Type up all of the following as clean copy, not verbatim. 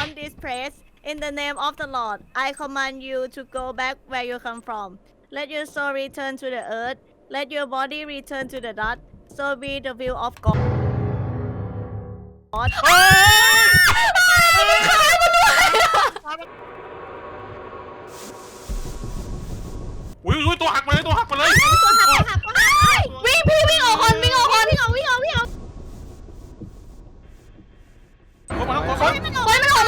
from this place, in the name of the Lord, I command you to go back where you come from. Let your soul return to the earth. Let your body return to the dust. So be the will of God. อุ้ยตัวหักมาเลยตัวหักมาเลยวิ่งพี่วิ่งออกก่อนวิ่งออกก่อนวิ่งออกเข้ามาแล้วเฮ้ยมันออกมาไม่โดน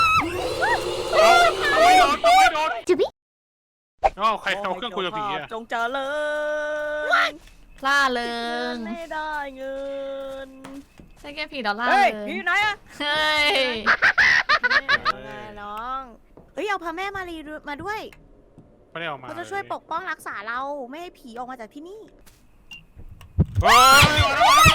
จุบิอ้าวใครเอาเครื่องคุยกับผีอะจงเจริญพล่าเริงไม่ได้เงินใช่แค่ผีดอลลาร์เฮ้ยเลยผีอยู่ไหนอะเฮ้ยไงน้อง เฮ้ยเอาพระแม่มารีมาด้วยไม่ได้ออกมาเขาจะช่วยปกป้องรักษาเราไม่ให้ผีออกมาจากที่นี่เฮ้ย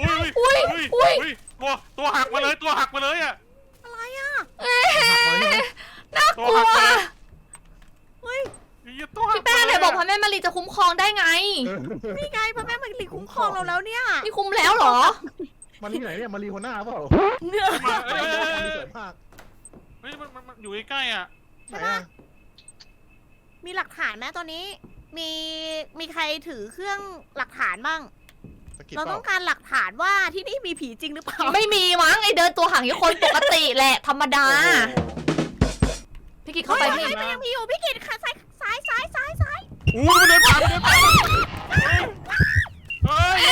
ตัวหักมาเลยตัวหักมาเลยอะอะไรอะเอ้ยน่ากลัวเฮ้ยพี่แป้งไหนบอกพระแม่มารีจะคุ้มครองได้ไงนี่ไงพระแม่มารีคุ้มครองเราแล้วเนี่ยนี่คุ้มแล้วเหรอมารีไหนเนี่ยมารีหัวหน้าเปล่ามาสวยมากเฮ้ยมันอยู่ใกล้ๆอ่ะไหนอ่ะมีหลักฐานไหมตอนนี้ มีใครถือเครื่องหลักฐานบ้างสกิปเราเปต้ล่าองการหลักฐานว่าที่นี่มีผีจริงหรือเปล่าไม่มีมั้งไอเดินตัวห่างอย่างคนปกติแหละธรรมดา พี่กิจเข้าไปพี่มันยังมีอยู่พี่กิตค่ะซ้ายอู้มันเดินผ่านเฮ้ย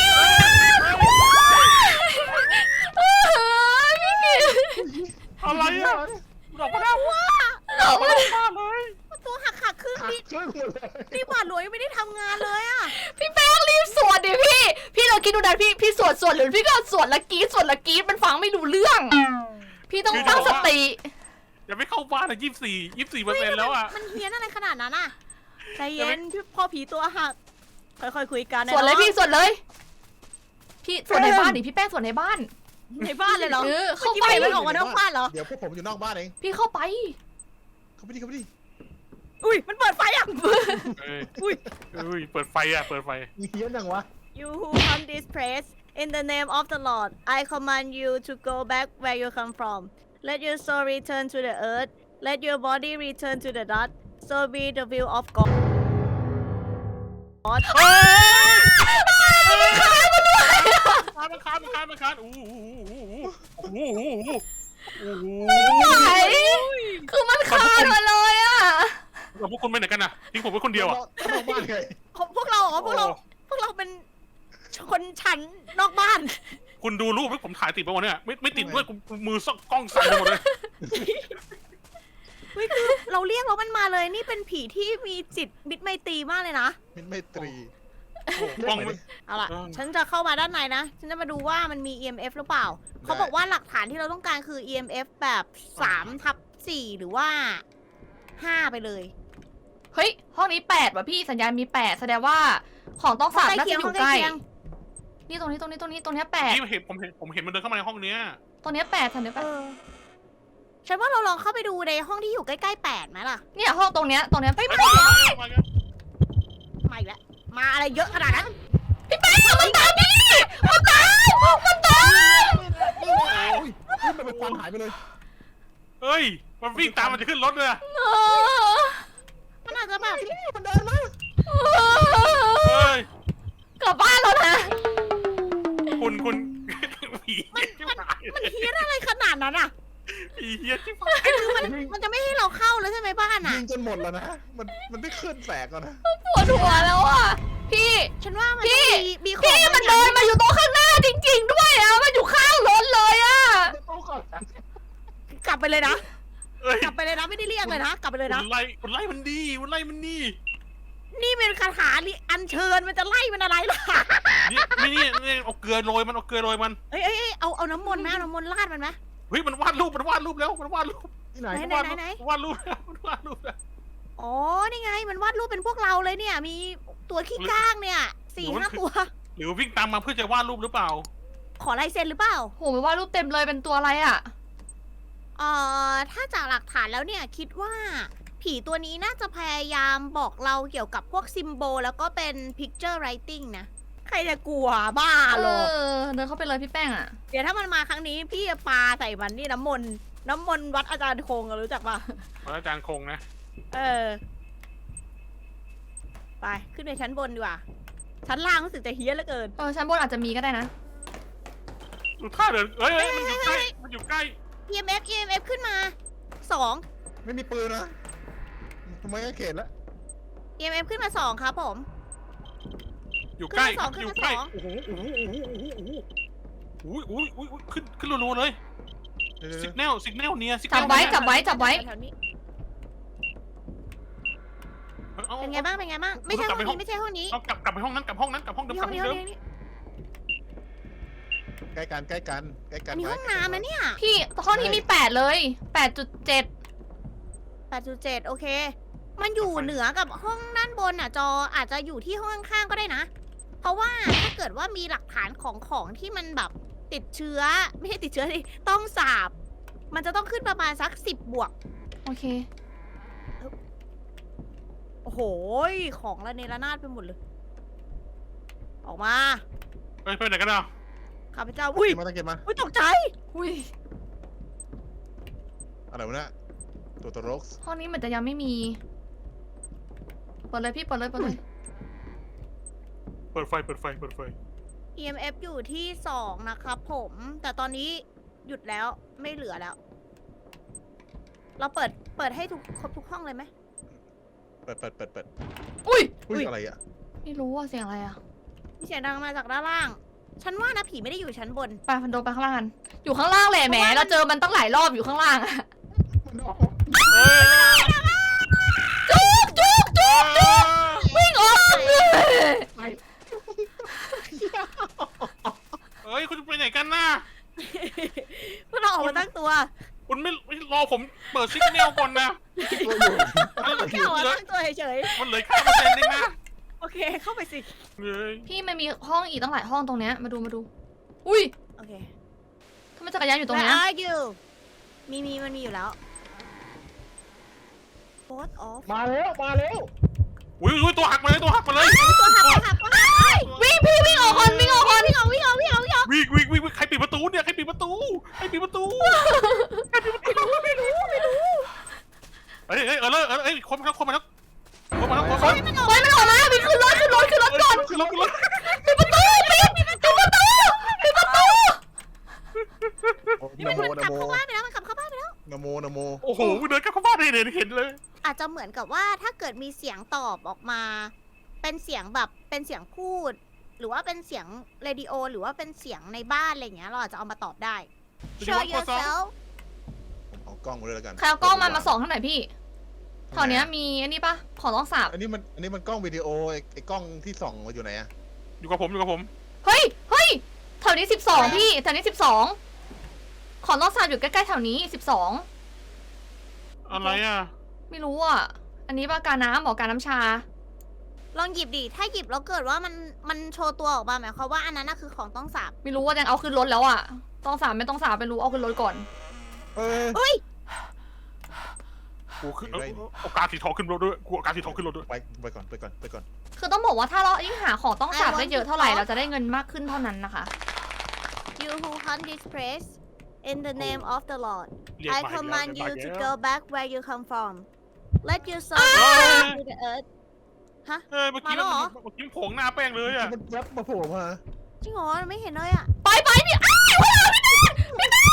พี่กิจอะไรอ่ะดอกมะนาวว่าหลอกเลยบ้าเลยตัวหักครึ่งนี่ช่วยหมดเลยนี่บาดหลวงยังไม่ได้ทำงานเลยอะพี่แป้งรีบสวดดิพี่เราคิดดูนะพี่สวดหรือพี่ก็สวดละกรีดมันฟังไม่รู้เรื่อง พี่ต้องตั้งสติอย่าไม่เข้าบ้านนะ24%แล้วอ่ะมันเฮี้ยนอะไรขนาดนั้นอะใจเย็นพี่พ่อผีตัวหักค่อยๆคุยกันนะสวดเลยพี่สวดเลย พี่สวดในบ้านดิพี่แป้งสวดในบ้านในบ้านเลยเหรอเข้าเมื่อกี้ไปไม่เห็นมันออกมานอกบ้านเหรอเดี๋ยวพวกผมอยู่นอกบ้านเองพี่เข้าไปเข้าไปดิเข้าไปดิอุ้ยมันเปิดไฟอ่ะอุ้ยเปิดไฟอ่ะเปิดไฟมีเฮี้ยนยังวะ You who come this place, in the name of the Lord, I command you to go back where you come from. Let your soul return to the earth. Let your body return to the dust. So be the will of God. มันคานอู้หูไหนคือมันคานมาเลยอะพวกคุณไปไหนกันน่ะทิ้งผมไว้คนเดียวอ่ะนอกบ้านไงพวกเราเหรอพวกเราเป็นคนชั้นนอกบ้านคุณดูรูปที่ผมถ่ายติดไปวันเนี้ยไม่ติดด้วยมือซ่องกล้องสั่นไปหมดเลยเฮ้ยคือเราเรียกแล้วมันมาเลยนี่เป็นผีที่มีจิตมิตรไมตรีมากเลยนะมิตรไมตรีกล้องเอาล่ะ ฉันจะเข้ามาด้านในนะ ฉันจะมาดูว่ามันมี EMF หรือเปล่า เขาบอกว่าหลักฐานที่เราต้องการคือ EMF แบบ3/4หรือว่า 5 ไปเลยเฮ้ยห้องนี้8ว่ะพี่สัญญาณมี8แสดงว่าของต้องสาบน่าจะอยู่ใกล้นี่ตรงนี้8 ที่ผมเห็นมันเดินเข้ามาในห้องเนี้ยตรงนี้8สัญญาณเออ ฉันว่าเราลองเข้าไปดูในห้องที่อยู่ใกล้ๆ8ไหมล่ะเนี่ยห้องตรงเนี้ยเฮ้ยมามาอีกแล้ว มาอะไรเยอะขนาดนั้นพี่แป้งมันตามพี่มันตามโอ้ยมันเป็นควันหายไปเลยเฮ้ยมันวิ่งตามมันจะขึ้นรถเลยมันอาจจะแบบมันเดินมาเฮ้ยกลับบ้านแล้วนะคุณผีมันเฮี้ยนอะไรขนาดนั้นอ่ะผีเฮี้ยที่ฝันคือมันจะไม่ให้เราเข้าเลยใช่ไหมบ้านอ่ะยิงจนหมดแล้วนะมันได้ขึ้นแสกแล้วนะปวดหัวแล้วอ่ะพี่ฉันว่ามันพี่ต้องมีของพี่มันเดินมาอยู่ตรงข้างหน้าจริงๆด้วยอ่ะมันอยู่ข้างรถเลยอ่ะกลับไปเลยนะเฮ้ยกลับไปเลยนะ ไม่ได้เรียกเลยนะ กลับไปเลยนะคุณไล่มันดีคุณไล่มันดีนี่เป็นคาถาอัญเชิญมันจะไล่มันอะไรล่ะนี่เอาเกลือโรยมันเอ้ยเอาน้ำมนต์ไหมเอาน้ำมนต์ราดมันไหมเฮ้ยมันวาดรูปแล้วมันวาดรูปที่ไหนไหนวาดรูปแล้วอ๋อ นี่ไง มันวาดรูปเป็นพวกเราเลยเนี่ย มีตัวขี้ก้างเนี่ย4-5 ตัวหรือวิ่งตามมาเพื่อจะวาดรูปหรือเปล่าขอลายเซ็นหรือเปล่าโหมันว่ารูปเต็มเลยเป็นตัวอะไรอ่ะถ้าจากหลักฐานแล้วเนี่ยคิดว่า ผีตัวนี้น่าจะพยายามบอกเราเกี่ยวกับพวกซิมโบลแล้วก็เป็น picture writing นะ ใครจะกลัวบ้าเอเหรออเดินเข้าไปเลยพี่แป้งอ่ะเดี๋ยวถ้ามันมาครั้งนี้พี่จะปาใส่มันนี่น้ำมนต์น้ำมนต์วัดอาจารย์คงอะรู้จักปะอาจารย์คงนะเออ ไปขึ้นไปชั้นบนดีกว่า ชั้นล่างรู้สึกจะเฮี้ยนเหลือเกินชั้นบนอาจจะมีก็ได้นะดูท่าเดินเอ้ยมันอยู่ใกล้มันอยู่ใกล้ EMF ขึ้นมา2 ไม่มีปืนนะทำไมก็เขตแล้ว EMF ขึ้นมา2ครับผมอยู่ใกล้ขึ้นมาสองอยู่ใกล้ขึ้นมาสองโอ้โหขึ้นรัวๆเลยสิกแนลเนี่ยสิกแนจัลบไว้จับไว้จับไว้แถวนี้เป็นไงบ้าง ไม่ใช่ห้องนี้ไม่ใช่ห้องนี้เอากลับไปห้องนั้นกลับห้องเดิมนี่กลัห้บองห้องนี้เดิห้อมงนี้ใกล้กันอันนี้ห้องน้ำนะเนี่ยพี่ห้องที่มี8เลย 8.7 8.7 โอเค มันอยู่เหนือกับห้องด้านบนอ่ะจออาจจะอยู่ที่ห้องข้างๆก็ได้นะ เพราะว่าถ้าเกิดว่ามีหลักฐานของที่มันแบบติดเชื้อ ไม่ใช่ติดเชื้อดิต้องสาบ มันจะต้องขึ้นประมาณสัก10 บวกโอเคโอ้โห ของระเนระนาดไปหมดเลย ออกมาไปไหนกันอ่ะข้าพเจ้า อุ้ยตั้งเกมมาอุ้ยตกใจอุ้ยอะไรวะเนี่ยตัวร็อกส์ห้องนี้เหมือนจะยังไม่มีเปิดเลยพี่เปิดเลยเปิดไฟ EMF อยู่ที่2นะครับผม แต่ตอนนี้หยุดแล้วไม่เหลือแล้ว เราเปิดให้ครบทุกห้องเลยไหมเปิดอุ้ยอุ้ยอะไรอ่ะไม่รู้ว่าเสียงอะไรอ่ะมีเสียงดังมาจากด้านล่าง ฉันว่านะผีไม่ได้อยู่ชั้นบนไปพันโดไปข้างล่างกันอยู่ข้างล่างแหละแหมเราเจอมันตั้งหลายรอบอยู่ข้างล่างอะจุกวิ่งออกเฮ้ยคุณไปไหนกันน่ะพวกเราออกมาตั้งตัวคุณไม่รอผมเปิดซิกแนลก่อนนะตัวอยู่แค่ออกมาตั้งตัวเฉยมันเหลือค่าเปอร์เซ็นต์นึงนะๆ โอเค เข้าไปสิเฮ้ยพี่มันมีห้องอีกตั้งหลายห้องตรงเนี้ยมาดูอุ้ยโอเคทำไมจักรยานอยู่ตรง Where เนี้ย are you มันมีอยู่แล้ว Both off มาแล้วอุ้ยตัวหักมาเลยตัวหักวิ่งพี่วิ่งออกก่อนวิ่งออกก่อนวิ่งวิ่งใครปิดประตูเนี่ยใครปิดประตูเฮ้ยคนมาแล้วปล่อยมันออกมาวิ่งขึ้นรถก่อนขึ้นรถปิดประตูนี่มันขับเข้าบ้านไปแล้ว มันขับเข้าบ้านไปแล้วนะโมโอ้โหเดินกลับเข้าบ้านเห็นเลยอาจจะเหมือนกับว่าถ้าเกิดมีเสียงตอบออกมา เป็นเสียงแบบเป็นเสียงพูด หรือว่าเป็นเสียงเรดิโอ หรือว่าเป็นเสียงในบ้านอะไรอย่างเงี้ยเราอาจจะเอามาตอบได้ Show yourself เอากล้องมาด้วยแล้วกันใครเอากล้องมาส่องข้างไหนพี่แถวเนี้ยมีอันนี้ปะของต้องสาบอันนี้มันกล้องวิดีโอไอ้กล้องที่ส่องมาอยู่ไหนอะอยู่กับผมเฮ้ยแถวนี้12พี่แถวนี้12ของต้องสาบอยู่ใกล้ๆแถวนี้12 อะไรอ่ะไม่รู้อ่ะอันนี้ปะการน้ำบอกการน้ำชาลองหยิบดิ ถ้าหยิบแล้วเกิดว่ามันโชว์ตัวออกมาหมายความว่าอันนั้นน่ะคือของต้องสาบไม่รู้ว่ายังเอาขึ้นรถแล้วอ่ะต้องสาบไม่ต้องสาบไม่รู้เอาขึ้นรถก่อนเออเฮ้ยกูขึ้นโอกาสสีทองขึ้นรถด้วยกูโอกาสสีทองขึ้นรถด้วยไปก่อนคือต้องบอกว่าถ้าเรายิ่งหาของต้องสาบได้เยอะเท่าไหร่เราจะได้เงินมากขึ้นเท่านั้นนะคะ You who hunt this place in the name of the Lord เรียก I มา command อีก you แล้ว to go back where you come from Let your soul เฮ้ย to the earth เฮ้ยเมื่อกี้มาแล้วเหรอโผงหน้าแป้งเลยอ่ะมันแวบมาโผล่มาจริงเหรอไม่เห็นเลยอ่ะไปพี่อ้าวพี่แม่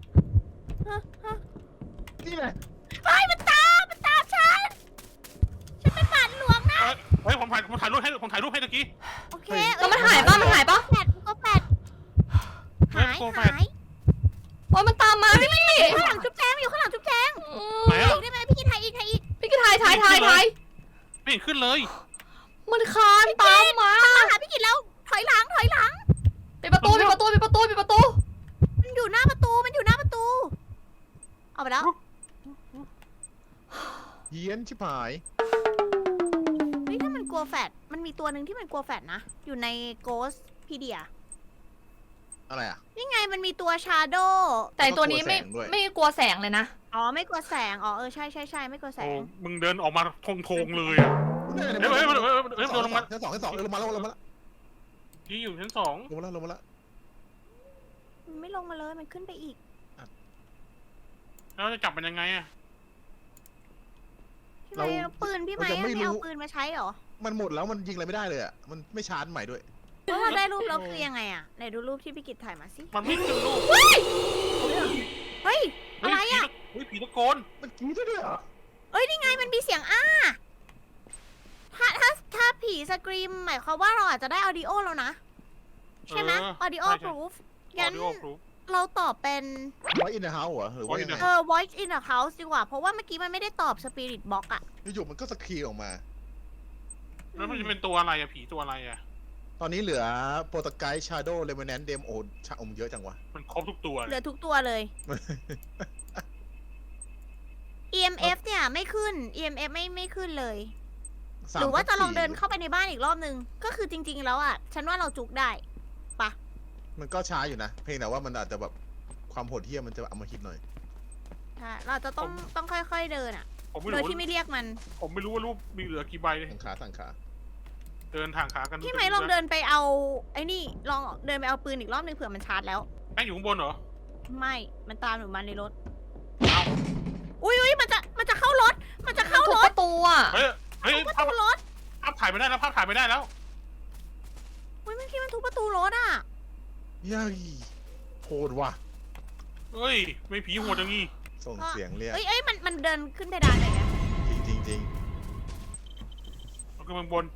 นี่ไงไปมันตามฉันเป็นบาทหลวงนะเฮ้ยผมถ่ายรูปให้ตะกี้โอเคแล้วมันหายปะแปดหายโอ้ยมันตามมาพี่ข้างหลังจุ๊บแจงอยู่ข้างหลังจุ๊บแจงไหนอ่ะอีกได้ไหมพี่กินไทยอีกพี่ก็ถ่ายไม่เห็นขึ้นเลยมันคานตามมามาหาพี่กินแล้วถอยหลังปิดประตูมันอยู่หน้าประตูเอาไปแล้วเยียนชิบหายเฮ้ยถ้ามันกลัวแฟดมันมีตัวหนึ่งที่มันกลัวแฟดนะอยู่ใน Ghostpedia อะไรอ่ะนี่ไงมันมีตัวชาโดแต่ตัวนี้ไม่กลัวแสงเลยนะอ๋อไม่กลัวแสงอ๋อใช่ไม่กลัวแสโอ้งมึงเดินออกมาทงเลยอ่ะ เฮ้ยโดนลงมาชั้นสองลงมาแล้วที่อยู่ชั้น 2 ลงมาแล้วมันไม่ลงมาเลยมันขึ้นไปอีกแล้วจะจับมันยังไงอะพี่ไม้เอาปืนพี่ไม้ไม่เอาปืนมาใช้เหรอมันหมดแล้วมันยิงอะไรไม่ได้เลยอ่ะมันไม่ชาร์จใหม่ด้วยเพราะว่าได้รูปแล้วคือยังไงอะไหนดูรูปที่พี่กิตถ่ายมาสิมันไม่ขึ้นรูปเฮ้ยอะไรอะเฮ้ยผีตะโกนมันกรี๊ดด้วยเหรอเอ้ยนี่ไงมันมีเสียงถ้าผีสกรีมหมายความว่าเราอาจจะได้ออดิโอแล้วนะ ใช่ไหมออดิโอ proof งั้น Audio proof เราตอบเป็นไว้อินเดอะเฮาส์เหรอหรือว่ายังไง voice in the house ดีกว่า เพราะว่าเมื่อกี้มันไม่ได้ตอบ spirit box อะอยู่ๆมันก็สกรีนออกมาแล้วมันจะเป็นตัวอะไรอะผีตัวอะไรอะตอนนี้เหลือโปรตไกด์ชาโดว์เลมอนแนนเดมโอชาอมเยอะจังวะมันครบทุกตัวเหเลลือย ทุกตัวเลย EMF เนี่ยไม่ขึ้น EMF ไม่ขึ้นเลย หรือว่าจะลองเดินเข้าไปในบ้านอีกรอบนึง ก็คือจริง ๆ แล้วอะฉันว่าเราจุกได้มันก็ช้าอยู่นะ เพียงแต่ว่ามันอาจจะแบบความโหดเหี้ยมมันจะเอามาคิดหน่อยใช่เราจะต้องค่อยๆเดินอะผมไม่โดยรู้ที่ไม่เรียกมันผมไม่รู้ว่ารูปมีเหลือกี่ใบเลยสั่งขาเดินทางขากันพี่ไหมลองเดินไปเอาไอ้นี่ลองเดินไปเอาปืนอีกรอบนึงเผื่อมันชาร์จแล้วแป้งอยู่ข้างบนเหรอไม่ มันตามหนูมาในรถเอาอุ้ยมันจะเข้ารถ มันจะเข้าถูรกถประตูอ่ะเฮ้ยเฮ้ยทุบประภาพตูรถภาพถ่ายไม่ได้แล้วภาพถ่ายไม่ได้แล้วอุ้ยเมื่อกี้มันทุบประตูรถอ่ะยัยโหดว่ะเฮ้ยไม่ผีโหดอย่างงี้ส่งเสียงเรียกเอ้ยมันเดินขึ้นเพดานเลยนะจริงมันขึ้นบน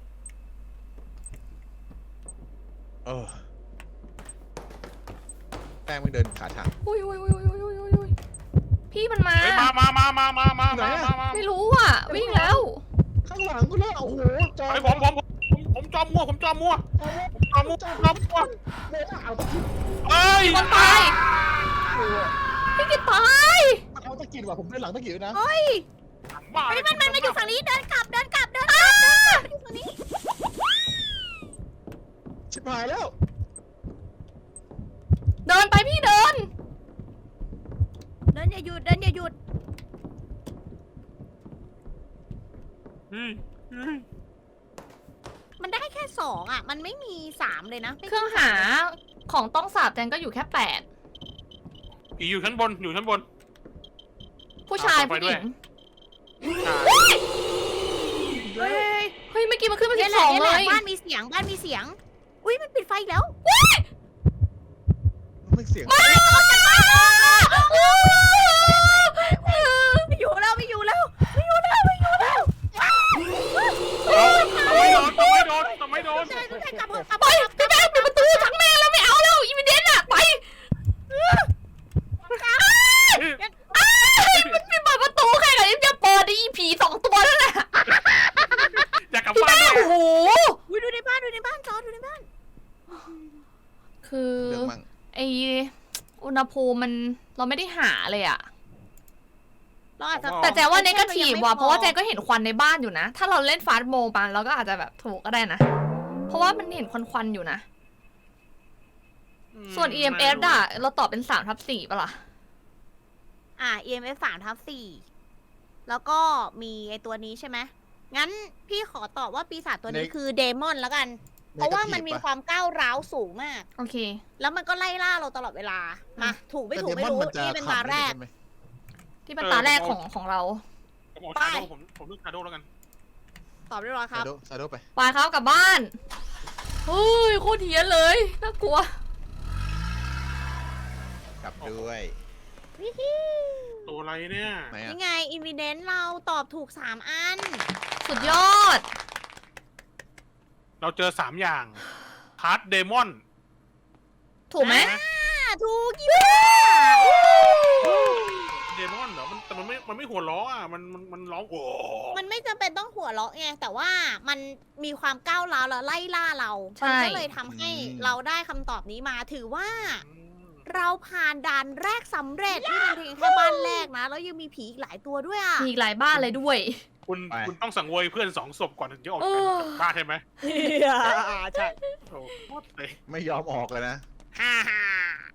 แป้งมันเดินขาถังอุ้ยพี่มันมาเฮ้ยมาไม่รู้อ่ะ วิ่งแล้วข้างหลังกูแล้วโอ้โหจอไอ้ผมจอมมั่วผมจอมมั่วโม่เอาตะกิดเอ้ยคนตาย พี่กิตตายมันเอาตะกิดว่ะผมเดินหลังตะกิดนะเฮ้ยบ้าเฮ้ยมันอยู่ฝั่งนี้เดินกลับมันอยู่ฝั่งนี้ชิบหายแล้วเดินไปพี่เดินเดินอย่าหยุดเฮ้ยมันได้แค่2อ่ะ มันไม่มี3เลยนะไม่เครื่องหาของต้องสาบแจงก็อยู่แค่ผีอยู่ชั้นบนอยู่ชั้นบน 8 ผู้ชายไปผู้หด้วญิยงเฮ้ยเฮ้ยเมื่อกี้มันขึ้นมาเนี่ย 12 แหเลละยบ้านมีเสียง อุ้ยมันปิดไฟอีกแล้วมันเสียงไม่อยู่แล้วไม่โดนใช่กลับไปพี่แม่ปิดประตูทั้งแม่แล้วไม่เอาแล้วอีวิเดนอะไปมันไม่เปิดประตูแค่ไหนจะเปิดอีผี2 ตัวนั่นแหละอยากกลับพี่บ้านแม่ด้วยโอ้โหอุ้ยดูในบ้านจอดูในบ้านคือเรื่องมั่งไออุณหภูมิมันเราไม่ได้หาเลยอะเราอาจจะแต่แจว่าเนกาทีฟว่ะเพราะว่าแจก็เห็นควันในบ้านอยู่นะ ถ้าเราเล่นฟาสต์โมปันเราก็อาจจะแบบถูกก็ได้นะ เพราะว่ามันเห็นควันๆอยู่นะ ส่วน EMF อะเราตอบเป็น3/4ป่ะล่ะ EMF 3/4แล้วก็มีไอตัวนี้ใช่ไหมงั้นพี่ขอตอบว่าปีศาจตัวนี้คือเดมอนแล้วกัน เพราะว่ามันมีความก้าวร้าวสูงมากโอเคแล้วมันก็ไล่ล่าเราตลอดเวลา มาถูกไม่ถูกไม่รู้ นี่เป็นตาแรกที่เป็นตาแรกของเราผมเอาชาโดผมเลือกชาโดแล้วกันตอบเรียบร้อยครับซาโดไปไปครับกลับบ้านเฮ้ยโคตรเฮี้ยนเลยน่ากลัวกลับด้วยวิฮิตัวอะไรเนี่ยไหนอ่ะนี่ไงอินวิเดนเราตอบถูก3 อันสุดยอดเราเจอ3อย่างพาร์ทเดมอนถูกไหมถูกกี่บ้าเดมอนเหรอแต่มันไม่หัวล้ออ่ะมันร้องโอ้มันไม่จำเป็นต้องหัวเราะไง แต่ว่ามันมีความก้าวร้าวแล้วไล่ล่าเรา มันก็เลยทำให้เราได้คำตอบนี้มา ถือว่า เราผ่านด่านแรกสำเร็จนี่เป็นเพียงแค่บ้านแรกนะ แล้วยังมีผีอีกหลายตัวด้วยอ่ะมีอีกหลายบ้านเลยด้วยคุณต้องสังเวยเพื่อน2 ศพก่อนถึงจะออกจากบ้านใช่ไหมใช่โอ้โหเลยไม่ยอมออกเลยนะฮ่าฮ่า